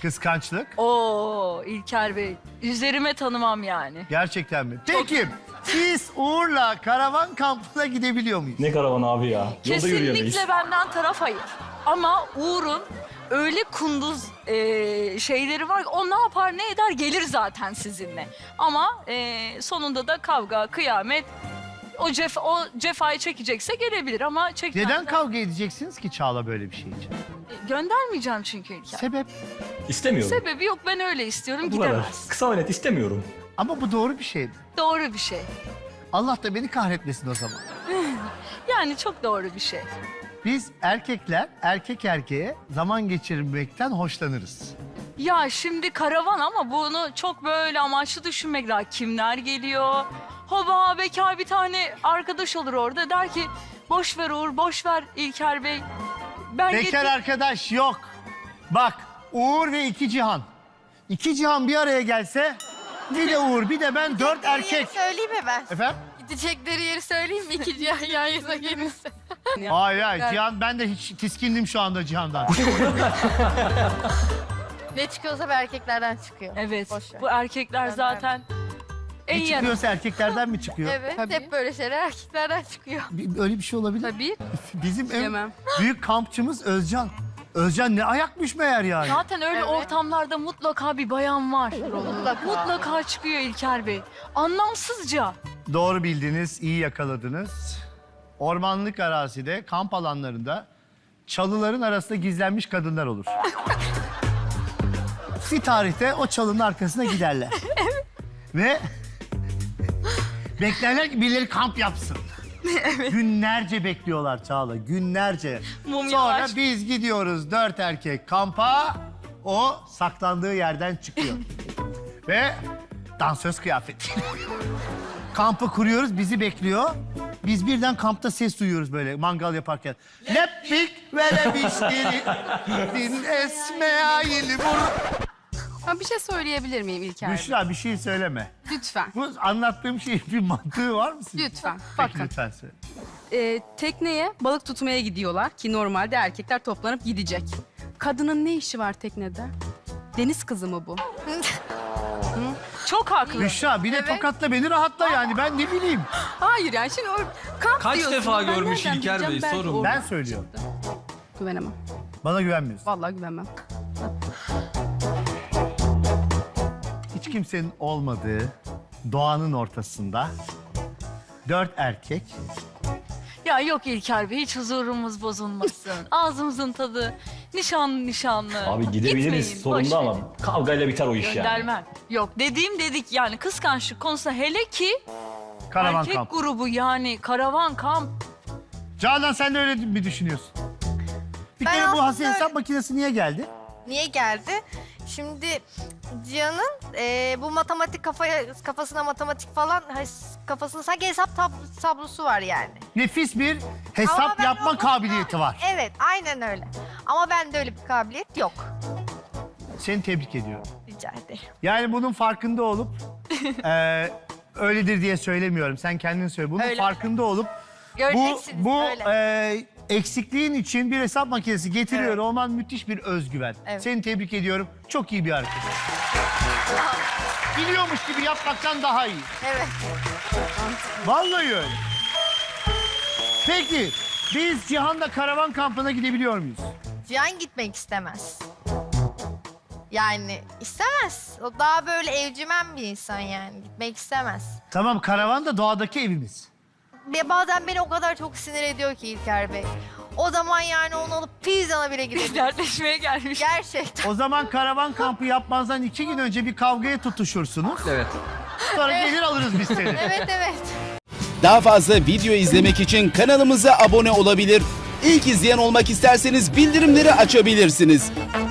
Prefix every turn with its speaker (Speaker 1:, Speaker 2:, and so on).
Speaker 1: Kıskançlık.
Speaker 2: Oo İlker Bey. Üzerime tanımam yani.
Speaker 1: Gerçekten mi? Peki biz Uğur'la karavan kampına gidebiliyor muyuz?
Speaker 3: Ne karavan abi ya? Yolda yürüyemeyiz.
Speaker 2: Kesinlikle benden taraf hayır. Ama Uğur'un öyle kunduz şeyleri var ki o ne yapar ne eder gelir zaten sizinle. Ama sonunda da kavga, kıyamet o cefayı çekecekse gelebilir ama çekmez.
Speaker 1: Neden kavga edeceksiniz ki Çağla böyle bir şey için?
Speaker 2: Göndermeyeceğim çünkü İlker.
Speaker 1: Sebep?
Speaker 3: İstemiyorum.
Speaker 2: Sebebi yok, ben öyle istiyorum,
Speaker 3: Bu kadar.
Speaker 2: gidemez.
Speaker 3: Kısa ve net istemiyorum.
Speaker 1: Ama bu doğru bir şey.
Speaker 2: Doğru bir şey.
Speaker 1: Allah da beni kahretmesin o zaman.
Speaker 2: Yani çok doğru bir şey.
Speaker 1: Biz erkekler erkek erkeğe zaman geçirmekten hoşlanırız.
Speaker 2: Ya şimdi karavan ama bunu çok böyle amaçlı düşünmek lazım. Kimler geliyor? Hoba bekar bir tane arkadaş olur orada, der ki boş ver Uğur, boş ver İlker Bey. Ben
Speaker 1: Bekar arkadaş yok. Bak Uğur ve iki Cihan. İki Cihan bir araya gelse bir de Uğur bir de ben 4 erkek.
Speaker 4: Söyleyeyim mi ben?
Speaker 1: Efendim?
Speaker 4: Gidecekleri yeri söyleyeyim mi? İki yan yana gelirse.
Speaker 1: Hayır hayır Cihan, ben de hiç tiskindim şu anda Cihan'dan.
Speaker 4: Ne çıkıyorsa bir erkeklerden çıkıyor.
Speaker 2: Evet,
Speaker 4: Boş ver.
Speaker 2: bu erkekler zaten en
Speaker 1: Ne
Speaker 2: yaramaz.
Speaker 1: çıkıyorsa erkeklerden mi çıkıyor?
Speaker 4: Evet, hep böyle şeyler erkeklerden çıkıyor.
Speaker 1: Öyle bir şey olabilir.
Speaker 4: Tabii.
Speaker 1: Bizim en
Speaker 4: Yemem.
Speaker 1: büyük kampçımız Özcan. Özcan ne ayakmış meğer yani.
Speaker 2: Zaten öyle
Speaker 4: Evet.
Speaker 2: ortamlarda mutlaka bir bayan var. Mutlaka çıkıyor İlker Bey. Anlamsızca.
Speaker 1: Doğru bildiniz, iyi yakaladınız. Ormanlık arazide, kamp alanlarında çalıların arasında gizlenmiş kadınlar olur. Bir tarihte o çalının arkasına giderler. Ve beklerler ki birileri kamp yapsın. Günlerce bekliyorlar Çağla, günlerce.
Speaker 2: Mumyalar.
Speaker 1: Sonra biz gidiyoruz 4 erkek kampa, o saklandığı yerden çıkıyor. Ve dansöz kıyafeti. Kampı kuruyoruz, bizi bekliyor. Biz birden kampta ses duyuyoruz böyle mangal yaparken. Lepik ve lepiştiri din esmeayil vur.
Speaker 5: Ben bir şey söyleyebilir miyim İlker Bey?
Speaker 1: Büşra bir şey söyleme.
Speaker 5: Lütfen,
Speaker 1: Bu anlattığım şeyin bir mantığı var mı sizin?
Speaker 5: lütfen.
Speaker 1: Peki,
Speaker 5: Bakın,
Speaker 1: lütfen söyle.
Speaker 5: tekneye balık tutmaya gidiyorlar ki normalde erkekler toplanıp gidecek. Kadının ne işi var teknede? Deniz kızı mı bu?
Speaker 2: Çok haklı.
Speaker 1: Büşra bir de tokatla beni rahatla yani, ben ne bileyim.
Speaker 5: Hayır yani şimdi kamp
Speaker 6: Kaç
Speaker 5: diyorsunuz.
Speaker 6: defa
Speaker 5: Ben
Speaker 6: görmüş
Speaker 5: nereden
Speaker 6: İlker Bey?
Speaker 5: bileceğim? Belki
Speaker 6: Sorun.
Speaker 5: orada.
Speaker 1: Ben söylüyorum.
Speaker 5: Güvenemem.
Speaker 1: Bana güvenmiyorsun.
Speaker 5: Vallahi güvenmem.
Speaker 1: Hiç kimsenin olmadığı doğanın ortasında 4 erkek
Speaker 2: Ya yok İlker Bey, hiç huzurumuz bozulmasın. Ağzımızın tadı nişanlı nişanlı.
Speaker 3: Abi gidebiliriz
Speaker 2: Gitmeyin,
Speaker 3: sonunda
Speaker 2: boş
Speaker 3: ama
Speaker 2: verin.
Speaker 3: kavgayla biter o iş yani.
Speaker 2: Göndermem. Yok dediğim dedik yani, kıskançlık konusunda hele ki
Speaker 1: karavan
Speaker 2: erkek
Speaker 1: kamp.
Speaker 2: grubu yani karavan kamp.
Speaker 1: Canan sen de öyle mi düşünüyorsun? Bir
Speaker 4: Ben
Speaker 1: kere bu
Speaker 4: aslında
Speaker 1: Hasan hesap makinesi niye geldi?
Speaker 4: Niye geldi? Şimdi Cihan'ın bu matematik kafasına matematik falan kafasında sanki hesap tablosu var yani.
Speaker 1: Nefis bir
Speaker 4: Ama
Speaker 1: hesap
Speaker 4: ben
Speaker 1: yapma
Speaker 4: o-
Speaker 1: kabiliyeti var.
Speaker 4: Evet, aynen öyle. Ama bende öyle bir kabiliyet yok.
Speaker 1: Seni tebrik ediyorum.
Speaker 4: Rica ederim.
Speaker 1: Yani bunun farkında olup öyledir diye söylemiyorum. Sen kendin söyle. Bunun
Speaker 4: Öyle.
Speaker 1: farkında olup
Speaker 4: Göreceksiniz
Speaker 1: bu
Speaker 4: öyle.
Speaker 1: eksikliğin için bir hesap makinesi getiriyor olman müthiş bir özgüven.
Speaker 4: Evet.
Speaker 1: Seni tebrik ediyorum. Çok iyi bir hareket. Biliyormuş gibi yapmaktan daha iyi.
Speaker 4: Evet.
Speaker 1: Vallahi öyle. Peki biz Cihan'la karavan kampına gidebiliyor muyuz?
Speaker 4: Cihan gitmek istemez. Yani istemez. O daha böyle evcimen bir insan yani. Gitmek istemez.
Speaker 1: Tamam, karavan da doğadaki evimiz.
Speaker 4: Ve bazen beni o kadar çok sinir ediyor ki İlker Bey. O zaman yani onu alıp pizzana bile gidebiliriz.
Speaker 2: Dertleşmeye gelmiş.
Speaker 4: Gerçekten.
Speaker 1: O zaman karavan kampı yapmazdan 2 gün önce bir kavgaya tutuşursunuz.
Speaker 6: Evet.
Speaker 1: Sonra gelir alırız biz seni.
Speaker 4: Evet, evet.
Speaker 7: Daha fazla video izlemek için kanalımıza abone olabilir. İlk izleyen olmak isterseniz bildirimleri açabilirsiniz.